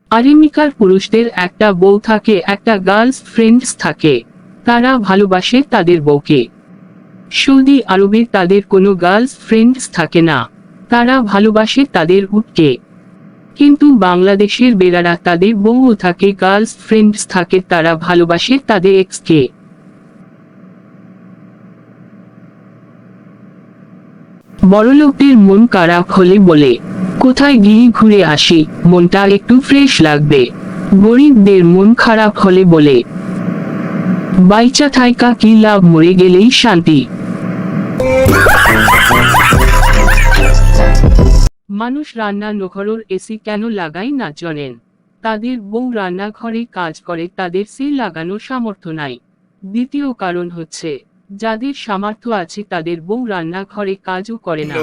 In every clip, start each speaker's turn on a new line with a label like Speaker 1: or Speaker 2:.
Speaker 1: আমেরিকার পুরুষদের একটা বউ থাকে, একটা গার্লস ফ্রেন্ডস থাকে, তারা ভালোবাসে তাদের বউকে। সৌদি আরবে তাদের কোনো গার্লস ফ্রেন্ডস থাকে না, তারা ভালোবাসে তাদের উটকে। কিন্তু বাংলাদেশের বেড়ারা তাদের বউও থাকে, গার্লস ফ্রেন্ডস থাকে, তারা ভালোবাসে তাদের এক্সকে। বড়লোকদের মন খারাপ হলে বলে, কোথায় গিয়ে ঘুরে আসি, মনটা একটু ফ্রেশ লাগবে। গরিবদের মন খারাপ হলে বলে, বাইচা থাইকা কি লাভ, মরে গেলেই শান্তি। মানুষ রান্নাঘরের এসি কেন লাগায় না জানেন? তাদের বউ রান্নাঘরে কাজ করে, তাদের সি লাগানোর সামর্থ্য নাই। দ্বিতীয় কারণ হচ্ছে, যাদের সামর্থ্য আছে তাদের বউ রান্নাঘরে কাজও করে না।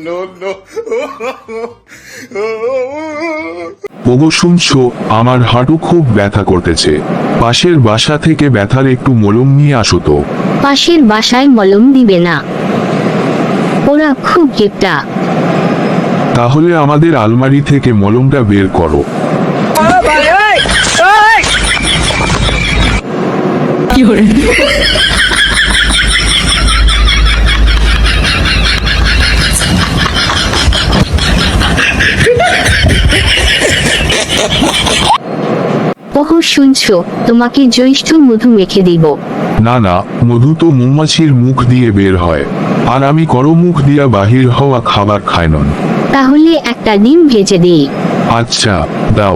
Speaker 2: ওগো শুনছো, আমার হাঁটু খুব ব্যথা করতেছে, পাশের বাসা থেকে ব্যথার একটু মলম নিয়ে আসো তো।
Speaker 3: পাশের বাসায় মলম দিবে না, ওরা খুব গেপটা।
Speaker 2: তাহলে আমাদের আলমারি থেকে মলমটা বের করো।
Speaker 3: ওহো শুনছো, তোমাকে জ্যৈষ্ঠ মধু মেখে দিব।
Speaker 2: না না, মধু তো মৌমাছির মুখ দিয়ে বের হয়, আর আমি করো মুখ দিয়া বাহির হওয়া খাবার খায় নন।
Speaker 3: তাহলে একটা ডিম ভেজে দিই।
Speaker 2: আচ্ছা দাও।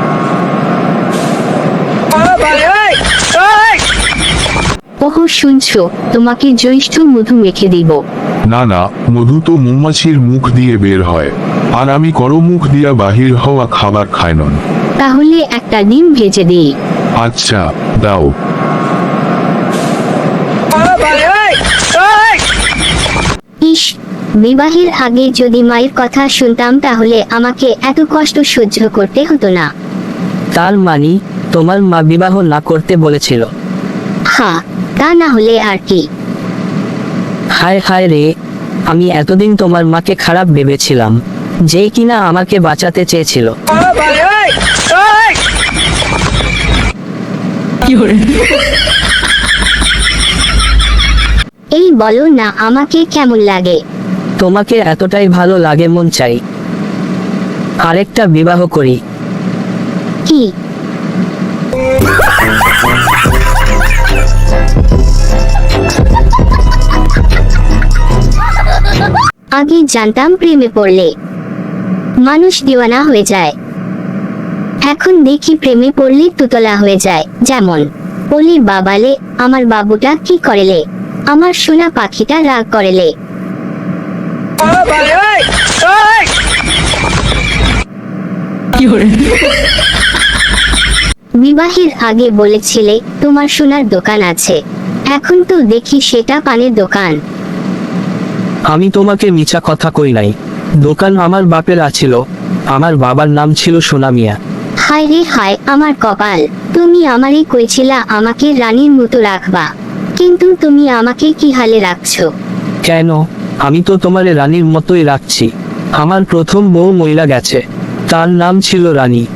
Speaker 3: ওহো শুনছো, তোমাকে জ্যৈষ্ঠ মধু মেখে দিব।
Speaker 2: না না, মধু তো মৌমাছির মুখ দিয়ে বের হয়, আর আমি করো মুখ দিয়া বাহির হওয়া খাবার খায় নন।
Speaker 3: তাহলে একটা ডিম ভেজে দিই।
Speaker 2: আচ্ছা দাও।
Speaker 3: ইস, বিবাহের আগে যদি মায়ের কথা শুনতাম তাহলে আমাকে এত কষ্ট সহ্য করতে হতো না।
Speaker 4: তার মানে তোমার মা বিবাহ না করতে বলেছিল?
Speaker 3: হ্যাঁ, তা না হলে আর কি।
Speaker 4: হায় হায় রে, আমি এতদিন তোমার মাকে খারাপ ভেবেছিলাম, যে কিনা আমাকে বাঁচাতে চেয়েছিল।
Speaker 3: এই বলো না, আমাকে কেমন লাগে?
Speaker 4: তোমাকে এতটাই ভালো লাগে মন চাই আরেকটা বিবাহ করি।
Speaker 3: কি? আগে জানতাম প্রেমে পড়লে মানুষ দিওয়ানা হয়ে যায়, এখন দেখি প্রেমে পড়লে তুতলা হয়ে যায়। যেমন বলি, বাবালে আমার বাবুটা কি করেলে, আমার সোনা পাখিটা রাগ করেলে। বিবাহের আগে বলেছিলে তোমার সোনার দোকান আছে, এখন তো দেখি সেটা পানের দোকান।
Speaker 4: আমি তোমাকে মিছা কথা কই নাই, দোকান আমার বাপের আছিল, আমার বাবার নাম ছিল সোনা মিয়া।
Speaker 3: হায় রে হায়, আমার কপাল। তুমি আমারই কইছিলা আমাকে রানীর মতো রাখবা, কিন্তু তুমি আমাকে কি হালে রাখছো?
Speaker 4: কেন, আমি তো তোমারে রানীর মতোই রাখছি। আমার প্রথম বউ মহিলা গেছে, তার নাম ছিল রানী।